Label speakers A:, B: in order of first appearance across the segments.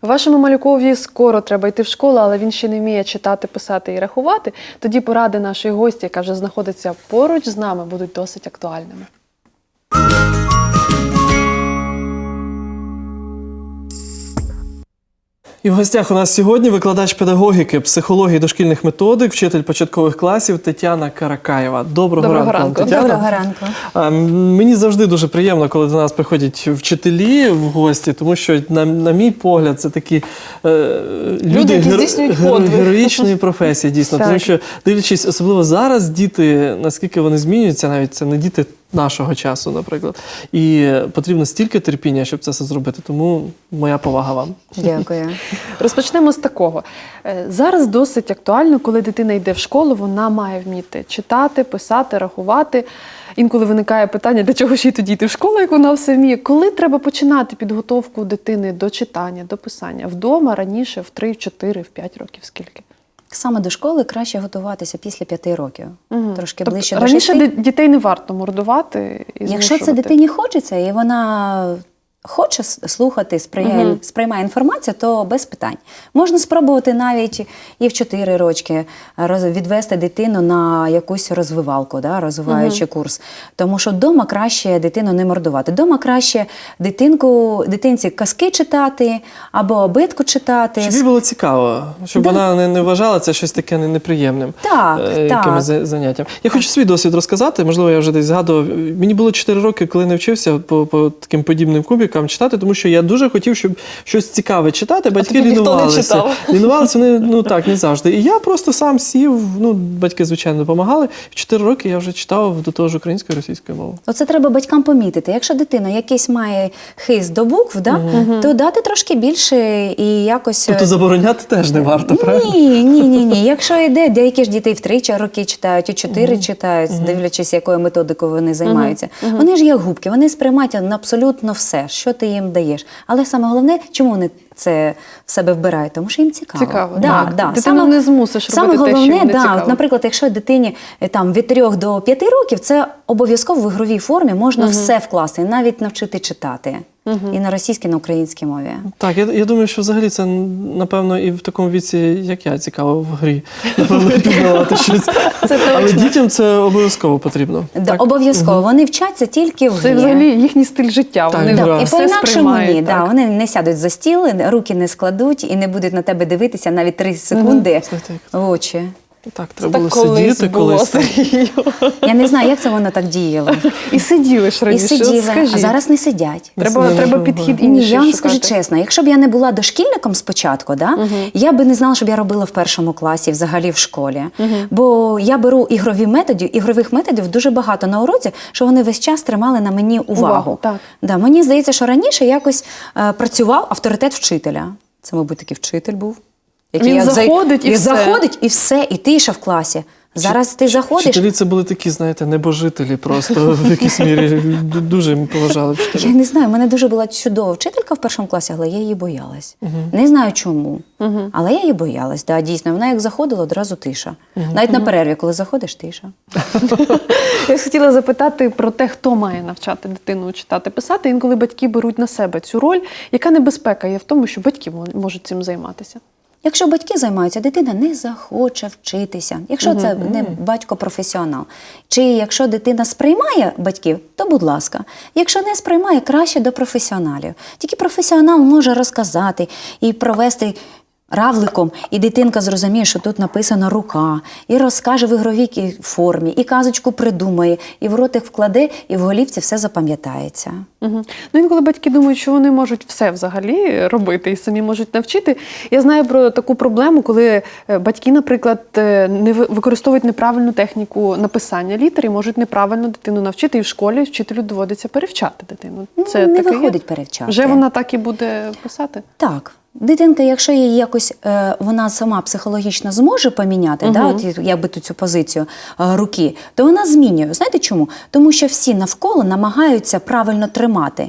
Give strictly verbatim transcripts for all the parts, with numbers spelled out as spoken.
A: Вашому малюкові скоро треба йти в школу, але він ще не вміє читати, писати і рахувати. Тоді поради нашої гості, яка вже знаходиться поруч з нами, будуть досить актуальними.
B: І в гостях у нас сьогодні викладач педагогіки, психології дошкільних методик, вчитель початкових класів Тетяна Каракаєва. Доброго,
A: Доброго
B: ранку,
A: ранку.
B: Тетяна.
C: Доброго ранку.
B: А, мені завжди дуже приємно, коли до нас приходять вчителі в гості, тому що, на, на мій погляд, це такі е, люди,
A: які
B: геро,
A: здійснюють
B: геро,
A: подвиг.
B: героїчної професії, дійсно.
A: Так.
B: Тому що, дивлячись, особливо зараз, діти, наскільки вони змінюються, навіть це не діти нашого часу, наприклад. І потрібно стільки терпіння, щоб це все зробити. Тому моя повага вам.
C: Дякую.
A: Розпочнемо з такого. Е, Зараз досить актуально, коли дитина йде в школу, вона має вміти читати, писати, рахувати. Інколи виникає питання, для чого ж їй тоді йти в школу, як вона все вміє. Коли треба починати підготовку дитини до читання, до писання? Вдома, раніше, в три, в чотири, в п'ять років, скільки?
C: Саме до школи краще готуватися після п'яти років.
A: Угу.
C: Трошки
A: Тобто,
C: ближче до
A: раніше
C: шести.
A: дітей не варто мордувати і
C: Якщо
A: змушувати.
C: це дитині хочеться, і вона хоче слухати, сприймає,
A: Мгм.
C: сприймає інформацію, то без питань. Можна спробувати навіть і в чотири рочки роз- відвести дитину на якусь розвивалку, да, розвиваючий курс. Тому що вдома краще дитину не мордувати. Вдома краще дитинку, дитинці казки читати або обидку читати.
B: Щоб їй було цікаво, щоб
C: Да.
B: вона не, не вважала це щось таке не- неприємним.
C: Так,
B: е,
C: так.
B: якимось за- заняттям. Я хочу свій досвід розказати, можливо, я вже десь згадував. Мені було чотири роки, коли не вчився по, по таким подібним кубикам читати, тому що я дуже хотів, щоб щось цікаве читати, батьки
A: тоді ніхто не
B: лінувалися.
A: читав.
B: Лінувалися вони, ну так, не завжди. І я просто сам сів, ну, батьки, звичайно, допомагали. В чотири роки я вже читав до того ж українською і російською мовою.
C: Оце треба батькам помітити. Якщо дитина якийсь має хист до букв, да, то дати трошки більше і якось...
B: Тобто забороняти теж не варто, правильно?
C: Ні, ні, ні, ні. Якщо йде, деякі ж діти в три роки читають, у чотири читають, дивлячись, якою методикою вони займаються. Вони ж як губки, вони сприймають на абсолютно все, що ти їм даєш. Але саме головне, чому вони це в себе вбирають? Тому що їм цікаво.
A: Цікаво,
C: да,
A: так.
C: да.
A: Дитину
C: Саме-
A: не змусиш
C: саме
A: робити те, що
C: головне,
A: їй не
C: да,
A: цікаво.
C: от, наприклад, якщо дитині е, там, від трьох до п'яти років, це обов'язково в ігровій формі можна все вкласти, навіть навчити читати. І на російській, і на українській мові.
B: Так, я, я думаю, що взагалі це, напевно, і в такому віці, як я, цікаво в грі. Напевно, пізнавати щось. Але дітям це обов'язково потрібно.
C: Да, обов'язково. Вони вчаться тільки в
A: Це
C: грі.
A: взагалі їхній стиль життя.
B: Так,
A: Вони
B: да.
C: Да, і
A: все
C: по-інакшому
A: сприймають.
C: ні. Да,
A: так.
C: вони не сядуть за стіл, руки не складуть і не будуть на тебе дивитися навіть три секунди
B: Знаєте,
C: в очі.
B: Так,
A: Це
B: треба
A: так
B: було
A: колись
B: сидіти
A: було,
B: колись.
A: Сергію.
C: Я не знаю, як це воно так діяло.
A: І сиділи ж
C: І
A: раніше.
C: сиділи,
A: От скажіть.
C: а зараз не сидять.
A: Треба,
B: Це
A: треба
B: не
A: підхід
C: Ні,
A: інший
C: я вам
A: шукати.
C: скажу чесно, якщо б я не була дошкільником спочатку, да, я би не знала, що б я робила в першому класі, взагалі в школі. Бо я беру ігрові методи, ігрових методів дуже багато на уроці, що вони весь час тримали на мені увагу.
A: Увагу, так.
C: Да, мені здається, що раніше якось е, працював авторитет вчителя. Це, мабуть, такий вчитель був.
A: Він
C: як зай-
A: заходить, і
C: він
A: все.
C: заходить і все, і тиша в класі. Зараз ти заходиш.
B: Вчителі це були такі, знаєте, небожителі просто в якійсь мірі. Ду- Дуже їм поважали
C: Я
B: вчителів.
C: не знаю, в мене дуже була чудова вчителька в першому класі, але я її боялась. Не знаю чому, але я її боялась. Да, дійсно, вона як заходила, одразу тиша. Навіть на перерві, коли заходиш, тиша.
A: Я хотіла запитати про те, хто має навчати дитину читати, писати. Інколи батьки беруть на себе цю роль. Яка небезпека є в тому, що батьки мо- можуть цим займатися?
C: Якщо батьки займаються, дитина не захоче вчитися. Якщо це не батько-професіонал. Чи якщо дитина сприймає батьків, то будь ласка. Якщо не сприймає, краще до професіоналів. Тільки професіонал може розказати і провести равликом, і дитинка зрозуміє, що тут написана рука, і розкаже в ігровій формі, і казочку придумає, і в ротик вкладе, і в голівці все запам'ятається.
A: Угу. Ну, інколи батьки думають, що вони можуть все взагалі робити і самі можуть навчити. Я знаю про таку проблему, коли е, батьки, наприклад, е, не ви- використовують неправильну техніку написання літер і можуть неправильно дитину навчити, і в школі вчителю доводиться перевчати дитину.
C: Ну,
A: Це
C: не
A: таке є?
C: виходить перевчати.
A: Вже вона так і буде писати?
C: Так. Дитинка, якщо її якось е, вона сама психологічно зможе поміняти,
A: Мгм.
C: да, от, якби ту цю позицію е, руки, то вона змінює. Знаєте чому? Тому що всі навколо намагаються правильно тримати.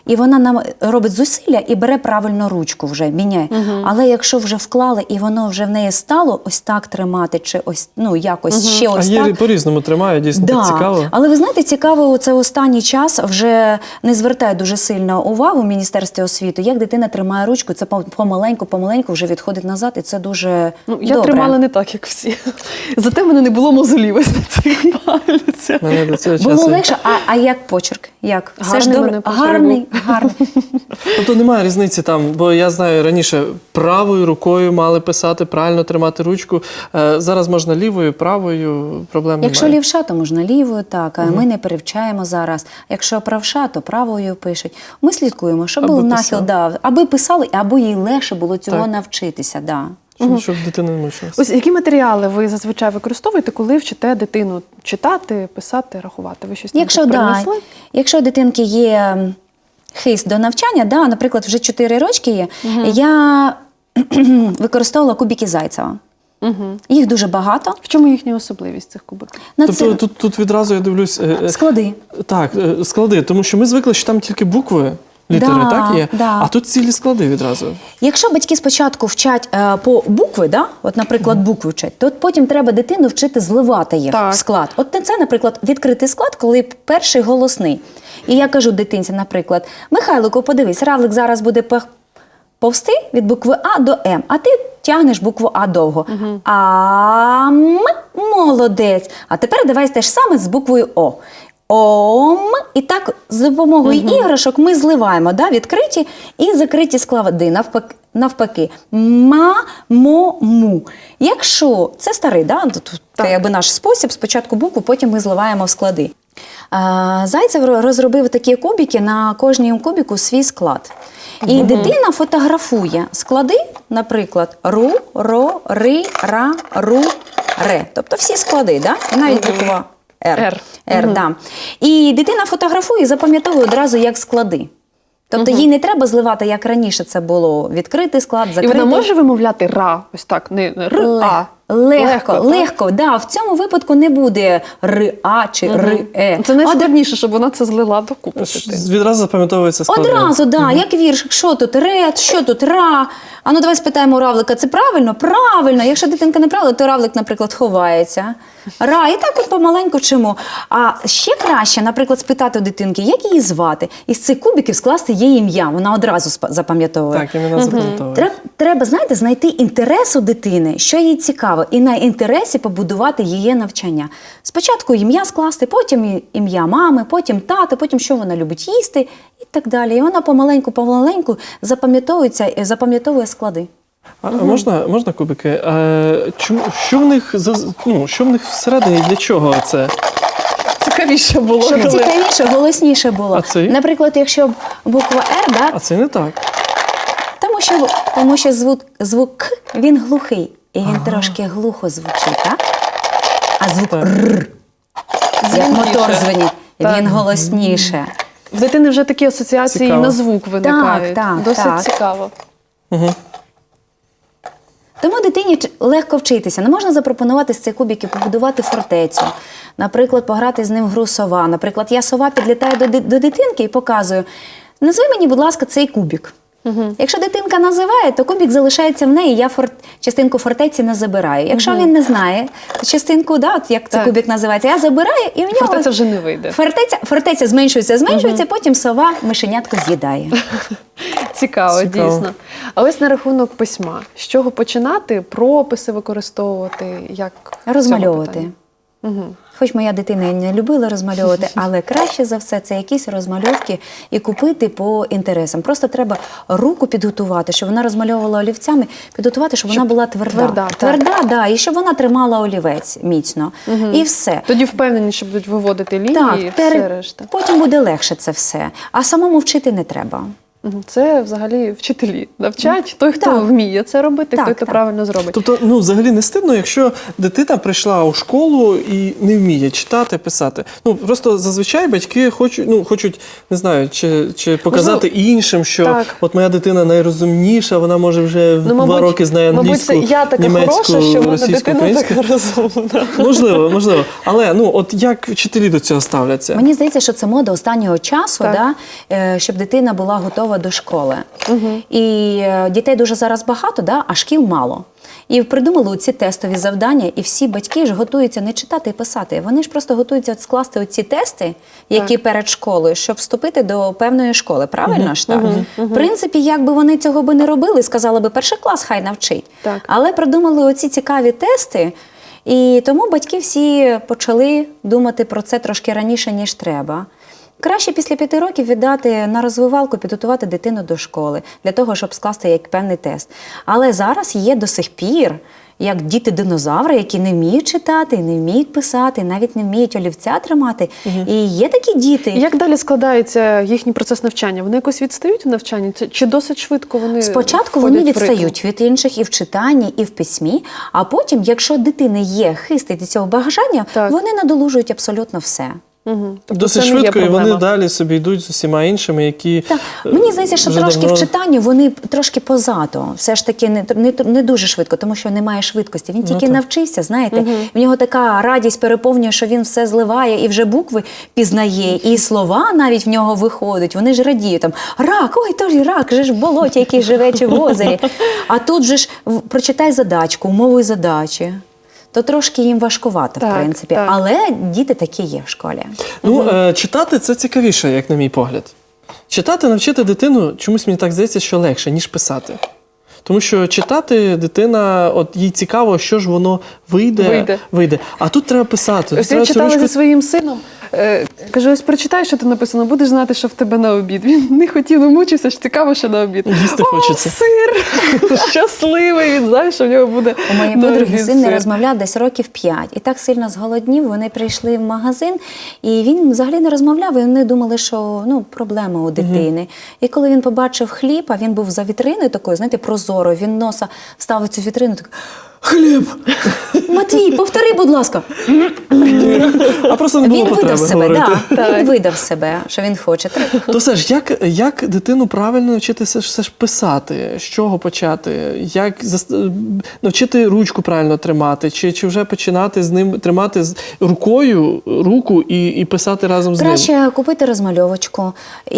C: і вона нам робить зусилля і бере правильно ручку вже, міняє. Угу. Але якщо вже вклали і воно вже в неї стало ось так тримати, чи ось, ну, якось угу. ще ось
B: а
C: так.
B: А є по-різному тримає, дійсно
C: да.
B: так цікаво.
C: Але ви знаєте, цікаво, це останній час вже не звертає дуже сильно увагу в Міністерстві освіти, як дитина тримає ручку, це помаленьку, помаленьку вже відходить назад, і це дуже
A: ну, я
C: добре.
A: тримала не так, як всі. Зате в мене не було мозолів ось на цих пальцях.
B: Мене до цього
C: Було
B: часу...
C: легше, а, а як почерк? Як? Все ж
A: Гарний
C: добре?
A: мене почерк
C: Гарний, гарний.
B: Тобто немає різниці там, бо я знаю, раніше правою рукою мали писати, правильно тримати ручку. Е, зараз можна лівою, правою, проблем
C: Якщо
B: немає.
C: лівша, то можна лівою, так. Угу. Ми не перевчаємо зараз. Якщо правша, то правою пишуть. Ми слідкуємо, щоб
B: Аби
C: був нахил,
B: писав.
C: да, аби писали, або їй легше було цього
B: Так.
C: навчитися. Да.
B: Щоб,
A: Угу.
B: щоб дитина не мучилася.
A: Ось які матеріали ви зазвичай використовуєте, коли вчите дитину читати, писати, рахувати? Ви щось там
C: Якщо,
A: тут
C: да,
A: принесли?
C: якщо у дитинки є хист до навчання, да, наприклад, вже чотири рочки є, угу. я використовувала кубики Зайцева.
A: Угу.
C: Їх дуже багато.
A: В чому їхня особливість цих кубиків?
C: На
B: Тобто
C: це...
B: тут, тут відразу я дивлюсь... Е,
C: Склади.
B: Так, е, склади, тому що ми звикли, що там тільки букви, літери,
C: да,
B: так є?
C: Да.
B: А тут цілі склади відразу.
C: Якщо батьки спочатку вчать е, по букви, да? От, наприклад, букви вчать, то от потім треба дитину вчити зливати їх
A: Так.
C: в склад. От це, наприклад, відкритий склад, коли перший голосний. І я кажу дитинці, наприклад, Михайлику, подивись, равлик зараз буде пах... повсти від букви А до М, а ти тягнеш букву А довго. Угу. Ам, молодець. А тепер давай те ж саме з буквою О. Ом, і так з допомогою угу. іграшок ми зливаємо, да, відкриті і закриті склади, навпаки. навпаки. Ма, мо, му. Якщо це старий, да, тут це якби наш спосіб, спочатку букву, потім ми зливаємо в склади. А, Зайцев розробив такі кубики, на кожній кубику свій склад. І угу. дитина фотографує склади, наприклад, ру, ро, ри, ра, ру, ре. Тобто всі склади, да? І навіть
A: угу.
C: буква Р.
A: Р.
C: Р,
A: угу.
C: да. І дитина фотографує і запам'ятовує одразу як склади. Тобто угу. їй не треба зливати, як раніше це було, відкритий склад, закритий.
A: І вона може вимовляти ра, ось так, не р, а.
C: Легко, легко, легко, да. В цьому випадку не буде ри-а чи угу. ри-е.
A: Це найскладніше, щоб вона це злила докупи.
B: Відразу запам'ятовується склади.
C: Одразу, да,
B: угу.
C: як вірш, що тут ред, що тут ра. А ну давай спитаємо у равлика, це правильно? Правильно. Якщо дитинка не правильно, то равлик, наприклад, ховається. Ра, і так от помаленьку вчимо. А ще краще, наприклад, спитати у дитинки, як її звати, і з цих кубиків скласти її ім'я. Вона одразу запам'ятовує.
B: Так, іменно угу. запам'ятовує.
C: Треба, треба, знаєте, знайти інтерес у дитини, що їй цікаво, і на інтересі побудувати її навчання. Спочатку ім'я скласти, потім ім'я мами, потім тата, потім що вона любить їсти і так далі. І вона помаленьку-помаленьку запам'ятовується, запам'ятовує склади.
B: А угу. можна, можна кубики? А, чому, що, в них, ну, що в них всередині, для чого це?
A: Цікавіше було.
C: Щоб коли... цікавіше, голосніше було.
B: А цей?
C: Наприклад, якщо буква Р, да?
B: А це не так.
C: Тому що, тому що звук, звук К, він глухий. І він ага. трошки глухо звучить, так? А звук так. Р, як мотор дзвонить, він голосніше.
A: В дитини вже такі асоціації
B: цікаво.
A: На звук виникають.
C: Так, так,
A: Досить
C: так.
A: цікаво.
B: Угу.
C: Тому дитині легко вчитися. Не можна запропонувати з цих кубиків побудувати фортецю. Наприклад, пограти з ним в гру сова. Наприклад, я сова підлітаю до, до дитинки і показую, назви мені, будь ласка, цей кубик. Угу. Якщо дитинка називає, то кубик залишається в неї, я фор... частинку фортеці не забираю. Якщо угу. він не знає частинку, да, от як цей кубик називається, я забираю, і в нього...
A: Фортеця вже не вийде.
C: Фортеця, фортеця зменшується, зменшується, угу. потім сова мишенятко з'їдає.
A: Цікаво,
B: Цікаво,
A: дійсно. А ось на рахунок письма. З чого починати? Прописи використовувати? Як
C: розмальовувати.
A: Угу.
C: Хоч моя дитина і не любила розмальовувати, але краще за все це якісь розмальовки і купити по інтересам. Просто треба руку підготувати, щоб вона розмальовувала олівцями, підготувати, щоб, щоб вона була тверда.
A: Тверда,
C: тверда да, і щоб вона тримала олівець міцно. Угу. І все.
A: Тоді впевнені, що будуть виводити лінії
C: так,
A: і
C: тер...
A: все решта.
C: Потім буде легше це все. А самому вчити не треба.
A: Мгм. Це взагалі вчителі навчать той, хто
C: Так.
A: вміє це робити,
C: Так,
A: той, хто
C: так.
A: правильно зробить.
B: Тобто, ну, взагалі не стидно, якщо дитина прийшла у школу і не вміє читати, писати. Ну, просто зазвичай батьки хочуть, ну, хочуть, не знаю, чи, чи показати іншим, що
A: так.
B: от моя дитина найрозумніша, вона може вже
A: Ну,
B: два роки знає англійську,
A: мабуть, це я така
B: німецьку,
A: хороша, що в мене
B: російську,
A: дитина
B: українську.
A: така розумна.
B: Можливо, можливо. Але, ну, от як вчителі до цього ставляться?
C: Мені здається, що це мода останнього часу,
A: Так.
C: да, е, щоб дитина була готова до школи. І е, дітей дуже зараз багато, да, а шкіл мало. І придумали ці тестові завдання, і всі батьки ж готуються не читати і писати. Вони ж просто готуються от скласти оці тести, які перед школою, щоб вступити до певної школи. Правильно ж так? В принципі, якби вони цього би не робили, сказали би, перший клас хай навчить.
A: Так.
C: Але придумали оці цікаві тести, і тому батьки всі почали думати про це трошки раніше, ніж треба. Краще після п'яти років віддати на розвивалку, підготувати дитину до школи, для того, щоб скласти як певний тест. Але зараз є до сих пір, як діти-динозаври, які не вміють читати, не вміють писати, навіть не вміють олівця тримати. І є такі діти.
A: Як далі складається їхній процес навчання? Вони якось відстають в навчанні? Це- Чи досить швидко вони
C: Спочатку
A: входять
C: вони
A: в ритм?
C: відстають від інших і в читанні, і в письмі, а потім, якщо дитини є хистить до цього бажання,
A: Так.
C: вони надолужують абсолютно все.
A: Угу.
B: Досить швидко, і вони далі собі йдуть з усіма іншими, які
C: Так, мені здається, що
B: вже
C: трошки
B: давно-
C: в читанні вони трошки позаду. Все ж таки не, не, не дуже швидко, тому що немає швидкості. Він тільки
B: так.
C: навчився, знаєте. В нього така радість переповнює, що він все зливає і вже букви пізнає, і слова навіть в нього виходять. Вони ж радіють там рак, ой, то ж рак, же ж в болоті, який живе чи в озері. А тут же ж в- прочитай задачку, умову задачі. То трошки їм важкувато,
A: Так,
C: в принципі.
A: так.
C: Але діти такі є в школі.
B: Ну, е, читати це цікавіше, як на мій погляд. Читати, навчити дитину, чомусь мені так здається, що легше, ніж писати. Тому що читати дитина, от їй цікаво, що ж воно вийде,
A: Вийде.
B: вийде. А тут треба писати.
A: Ось
B: треба
A: я
B: цю
A: читала
B: ручку-
A: зі своїм сином. Е, кажу, ось прочитай, що тут написано, будеш знати, що в тебе на обід. Він не хотів, не мучився, що цікаво, що на обід.
B: Їсти
A: О,
B: хочеться.
A: сир! Щасливий, він знає, що в нього буде
C: У моєї
A: на
C: подруги
A: обід
C: син не
A: сир.
C: розмовляв десь років п'ять. І так сильно зголоднів, вони прийшли в магазин, і він взагалі не розмовляв, і вони думали, що ну, проблема у дитини. І коли він побачив хліб, а він був за вітриною такою, знаєте, прозорою, він носа ставив цю вітрину, так,
B: Хліб!
C: Матвій, повтори, будь ласка.
B: А просто не було
C: Він
B: потреби
C: видав себе,
B: говорити.
C: да, він видав себе, що він хоче.
B: То все ж, як, як дитину правильно навчитися все ж писати? З чого почати? Як зас- навчити ручку правильно тримати? Чи, чи вже починати з ним тримати з рукою руку і, і писати разом з ним?
C: Краще купити розмальовочку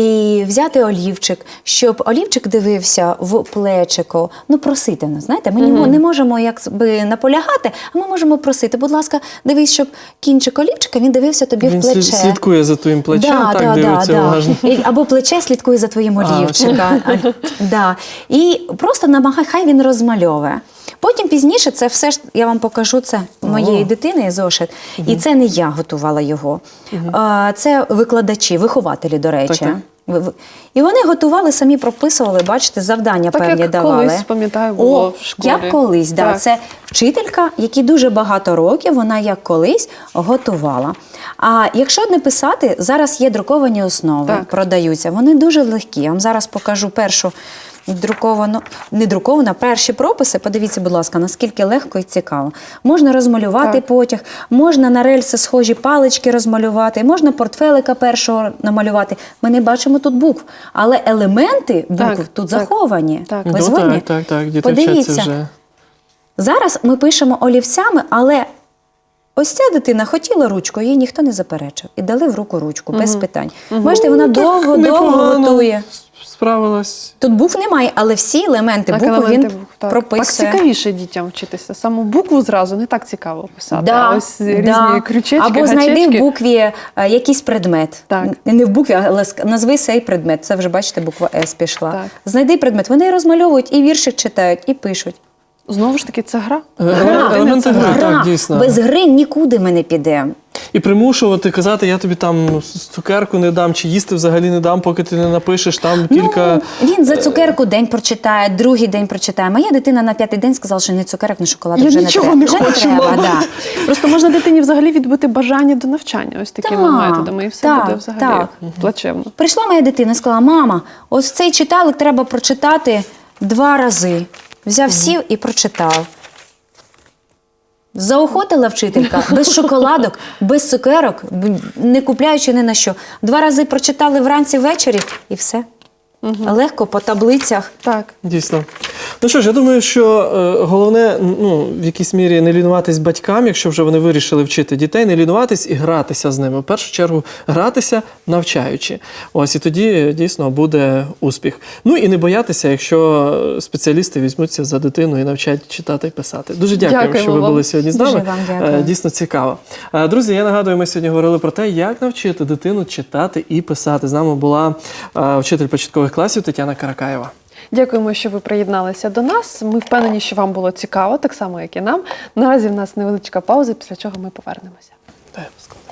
C: і взяти олівчик, щоб олівчик дивився в плечико. Ну, просити нас, знаєте, ми не- не можемо якби наполягати, а ми можемо просити, будь ласка, дивись, щоб кінчик олівчика, він дивився тобі
B: Він
C: в плече.
B: слід- слідкує за твоїм плечем,
C: Да,
B: так
C: да,
B: дивиться
C: да,
B: уважно.
C: да. І- Або плече слідкує за твоїм
B: А,
C: олівчика. А, да. І просто намагай, хай він розмальовує. Потім пізніше це все ж, я вам покажу, це моєї дитини зошит. І це не я готувала його. А, Це викладачі, вихователі, до речі.
B: Так, так.
C: Ви- ви- І вони готували, самі прописували, бачите, завдання
A: Так,
C: певні
A: як
C: давали.
A: колись, пам'ятаю, було
C: О,
A: в школі.
C: як колись, да.
A: Так.
C: Це вчителька, якій дуже багато років, вона як колись готувала. А якщо не писати, зараз є друковані основи,
A: Так.
C: продаються. Вони дуже легкі. Я вам зараз покажу першу друковану, не друкована, перші прописи. Подивіться, будь ласка, наскільки легко і цікаво. Можна розмалювати
A: Так.
C: потяг, можна на рельси схожі палички розмалювати, можна портфелика першого намалювати. Ми не бачимо тут букв, але елементи букв
A: Так,
C: тут
A: так.
C: заховані.
A: Так.
C: Ви
B: Ну,
C: згодні?
B: так, так, так, діти
C: Подивіться.
B: вчаться вже.
C: Зараз ми пишемо олівцями, але ось ця дитина хотіла ручку, їй ніхто не заперечив. І дали в руку ручку, без питань. Бачите, вона довго-довго
B: Непогано
C: готує.
B: Справилась.
C: Тут букв немає, але всі елементи
A: Так,
C: букв
A: елементи
C: він
A: букв, так.
C: прописує.
A: Так цікавіше дітям вчитися. Саму букву зразу не так цікаво писати.
C: Да,
A: а ось різні
C: да.
A: крючечки,
C: Або знайди
A: гачечки.
C: в букві е, якийсь предмет.
A: Так.
C: Не в букві, але ск- назви цей предмет. Це вже, бачите, буква С пішла.
A: Так.
C: Знайди предмет. Вони розмальовують, і віршик читають, і пишуть.
A: Знову ж таки, це гра.
B: Е, Елементи гри,
C: Гра.
B: так, дійсно.
C: Без гри нікуди ми не підемо.
B: І примушувати казати, я тобі там цукерку не дам, чи їсти взагалі не дам, поки ти не напишеш там кілька.
C: Ну, він за цукерку день прочитає, другий день прочитає. Моя дитина на п'ятий день сказала, що ні цукерок, ні шоколадок
A: Я
C: вже
A: нічого
C: не
A: не
C: треба. Вже
A: хочу,
C: не треба,
A: мама.
C: да.
A: Просто можна дитині взагалі відбити бажання до навчання ось такими
C: Так,
A: методами, і все
C: так,
A: буде взагалі
C: так.
A: плачевно.
C: Прийшла моя дитина і сказала, мама, ось цей читалик треба прочитати два рази. Взяв, сів і прочитав. Заохотила вчителька без шоколадок, без цукерок, не купляючи ні на що. Два рази прочитали вранці, ввечері і все. Легко по таблицях.
A: Так.
B: Дійсно. Ну що ж, я думаю, що е, головне, ну, в якійсь мірі не лінуватись батькам, якщо вже вони вирішили вчити дітей, не лінуватись і гратися з ними. В першу чергу гратися, навчаючи. Ось, і тоді дійсно буде успіх. Ну і не боятися, якщо спеціалісти візьмуться за дитину і навчать читати і писати. Дуже дякуємо,
A: Дякуємо
B: що ви
A: вам.
B: були сьогодні з
C: Дуже
B: нами.
C: вам дякую.
B: Е, Дійсно цікаво. Е, Друзі, я нагадую, ми сьогодні говорили про те, як навчити дитину читати і писати. З нами була е, вчитель початкових класів Тетяна Каракаєва.
A: Дякуємо, що ви приєдналися до нас. Ми впевнені, що вам було цікаво, так само, як і нам. Наразі в нас невеличка пауза, після чого ми повернемося.
B: Дай, будь ласка.